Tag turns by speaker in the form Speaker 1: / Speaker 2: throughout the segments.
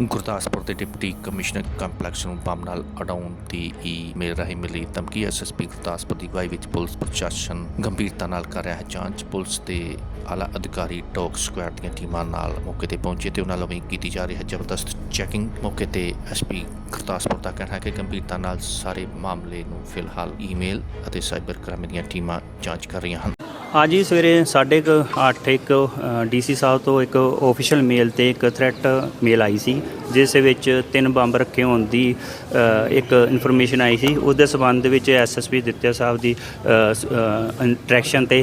Speaker 1: ਗੁਰਦਾਸਪੁਰ ਦੇ deputy commissioner complex ਨੂੰ bomb ਨਾਲ ਉਡਾਉਣ ਦੀ ਈਮੇਲ ਰਾਹੀਂ ਮਿਲੀ ਧਮਕੀ। ਐਸਐਸਪੀ ਗੁਰਦਾਸਪੁਰ ਦੀ ਅਗਵਾਈ ਵਿੱਚ ਪੁਲਿਸ ਪ੍ਰਸ਼ਾਸਨ ਗੰਭੀਰਤਾ ਨਾਲ ਕਰ ਰਿਹਾ ਹੈ ਜਾਂਚ। ਪੁਲਿਸ ਦੇ ਆਲਾ ਅਧਿਕਾਰੀ ਡੌਗ ਸਕੁਐਡ ਦੀਆਂ ਟੀਮਾਂ ਨਾਲ ਮੌਕੇ ਤੇ ਪਹੁੰਚੇ ਤੇ ਉਹਨਾਂ ਵੱਲੋਂ ਕੀਤੀ ਜਾ ਰਹੀ ਹੈ ਜ਼ਬਰਦਸਤ ਚੈਕਿੰਗ। ਮੌਕੇ ਤੇ ਐਸਪੀ ਗੁਰਦਾਸਪੁਰ ਦਾ ਕਹਿਣਾ ਹੈ ਕਿ ਗੰਭੀਰਤਾ ਨਾਲ ਸਾਰੇ ਮਾਮਲੇ ਨੂੰ ਫਿਲਹਾਲ ਈਮੇਲ ਅਤੇ ਸਾਈਬਰ ਕ੍ਰਾਈਮ ਦੀਆਂ ਟੀਮਾਂ ਜਾਂਚ ਕਰ ਰਹੀਆਂ ਹਨ।
Speaker 2: ਅੱਜ ਹੀ ਸਵੇਰੇ 8:30 ਇੱਕ ਡੀਸੀ ਸਾਹਿਬ ਤੋਂ ਇੱਕ ਆਫੀਸ਼ੀਅਲ ਮੇਲ ਤੇ ਇੱਕ ਥ੍ਰੈਟ ਮੇਲ ਆਈ ਸੀ, ਜਿਸ ਵਿੱਚ 3 ਬੰਬ ਰੱਖੇ ਹੋਣ ਦੀ ਇੱਕ ਇਨਫੋਰਮੇਸ਼ਨ ਆਈ ਸੀ। ਉਸ ਦੇ ਸੰਬੰਧ ਵਿੱਚ ਐਸਐਸਪੀ ਦਿੱਤਿਆ ਸਾਹਿਬ ਦੀ ਇੰਟਰੈਕਸ਼ਨ ਤੇ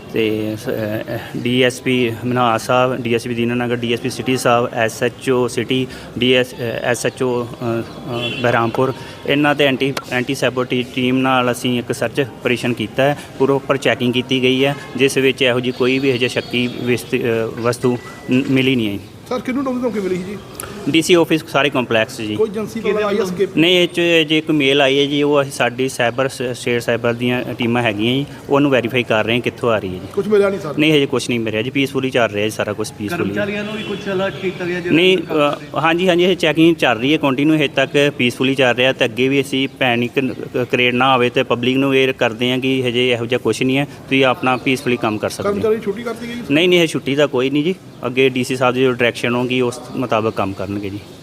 Speaker 2: ਡੀਐਸਪੀ ਮਨਹਾਸ ਸਾਹਿਬ, ਡੀਐਸਪੀ ਦੀਨਾਨਗਰ, ਡੀਐਸਪੀ ਸਿਟੀ ਸਾਹਿਬ, ਐਸਐਚਓ ਸਿਟੀ, ਐਸਐਚਓ ਬਹਿਰਾਮਪੁਰ, ਇਹਨਾਂ ਤੇ ਐਂਟੀ ਸੈਬੋਟੀ ਟੀਮ ਨਾਲ ਅਸੀਂ ਇੱਕ ਸਰਚ ਆਪਰੇਸ਼ਨ ਕੀਤਾ ਹੈ। ਪ੍ਰੋਪਰ ਚੈਕਿੰਗ ਕੀਤੀ ਗਈ ਹੈ, ਜਿਸ ਵਿੱਚ ਇਹੋ ਜਿਹੀ ਕੋਈ ਵੀ ਹਜੇ ਸ਼ੱਕੀ ਵਸਤੂ ਮਿਲੀ ਨਹੀਂ ਹੈ।
Speaker 3: ਸਰ ਕਿਹਨੂੰ ਧਮਕੀ ਮਿਲੀ ਸੀ ਜੀ?
Speaker 2: ਡੀਸੀ ਆਫਿਸ ਸਾਰੇ ਕੰਪਲੈਕਸ ਜੀ।
Speaker 3: ਕੋਈ ਏਜੰਸੀ ਵਾਲਾ ਆਈ ਐਸਕੇਪ
Speaker 2: ਨਹੀਂ, ਇਹ 'ਚ ਜੇ ਇੱਕ ਮੇਲ ਆਈ ਹੈ ਜੀ, ਉਹ ਅਸੀਂ ਸਾਡੀ ਸਟੇਟ ਸਾਈਬਰ ਦੀਆਂ ਟੀਮਾਂ ਹੈਗੀਆਂ ਜੀ, ਉਹਨੂੰ ਵੈਰੀਫਾਈ ਕਰ ਰਹੇ ਹਾਂ ਕਿੱਥੋਂ ਆ ਰਹੀ ਹੈ ਜੀ।
Speaker 3: ਕੁਝ ਮਿਲਿਆ ਨਹੀਂ ਸਰ?
Speaker 2: ਨਹੀਂ, ਹਜੇ ਕੁਝ ਨਹੀਂ ਮਿਲਿਆ ਜੀ, ਪੀਸਫੁਲੀ ਚੱਲ ਰਿਹਾ ਜੀ ਸਾਰਾ ਕੁਝ ਪੀਸਫੁਲੀ।
Speaker 4: ਕਰਮਚਾਰੀਆਂ ਨੂੰ ਵੀ ਕੁਝ ਅਲਰਟ ਕੀਤਾ ਗਿਆ ਜੀ?
Speaker 2: ਨਹੀਂ, ਹਾਂਜੀ ਇਹ ਚੈਕਿੰਗ ਚੱਲ ਰਹੀ ਹੈ ਕੰਟੀਨਿਊ, ਹਜੇ ਤੱਕ ਪੀਸਫੁਲੀ ਚੱਲ ਰਿਹਾ। ਤੇ ਅੱਗੇ ਵੀ ਅਸੀਂ ਪੈਨਿਕ ਕ੍ਰੀਏਟ ਨਾ ਹੋਵੇ ਤੇ ਪਬਲਿਕ ਨੂੰ ਇਹ ਕਰਦੇ ਹਾਂ ਕਿ ਹਜੇ ਇਹੋ ਜਿਹਾ ਕੁਝ ਨਹੀਂ ਹੈ, ਤੁਸੀਂ ਆਪਣਾ ਪੀਸਫੁਲੀ ਕੰਮ ਕਰ ਸਕਦੇ ਹੋ।
Speaker 3: ਕਰਮਚਾਰੀ ਛੁੱਟੀ ਕਰਤੀ ਗਈ?
Speaker 2: ਨਹੀਂ, ਇਹ ਛੁੱਟੀ ਦਾ ਕੋਈ ਨਹੀਂ ਜੀ, ਅੱਗੇ ਡੀਸੀ ਸਾਹਿਬ ਦੀ ਜੋ ਡਾਇਰੈਕਸ਼ਨ ਹੋਗੀ ਉਸ ਮੁਤਾਬਕ ਕੰਮ ਕਰਨਗੇ ਜੀ।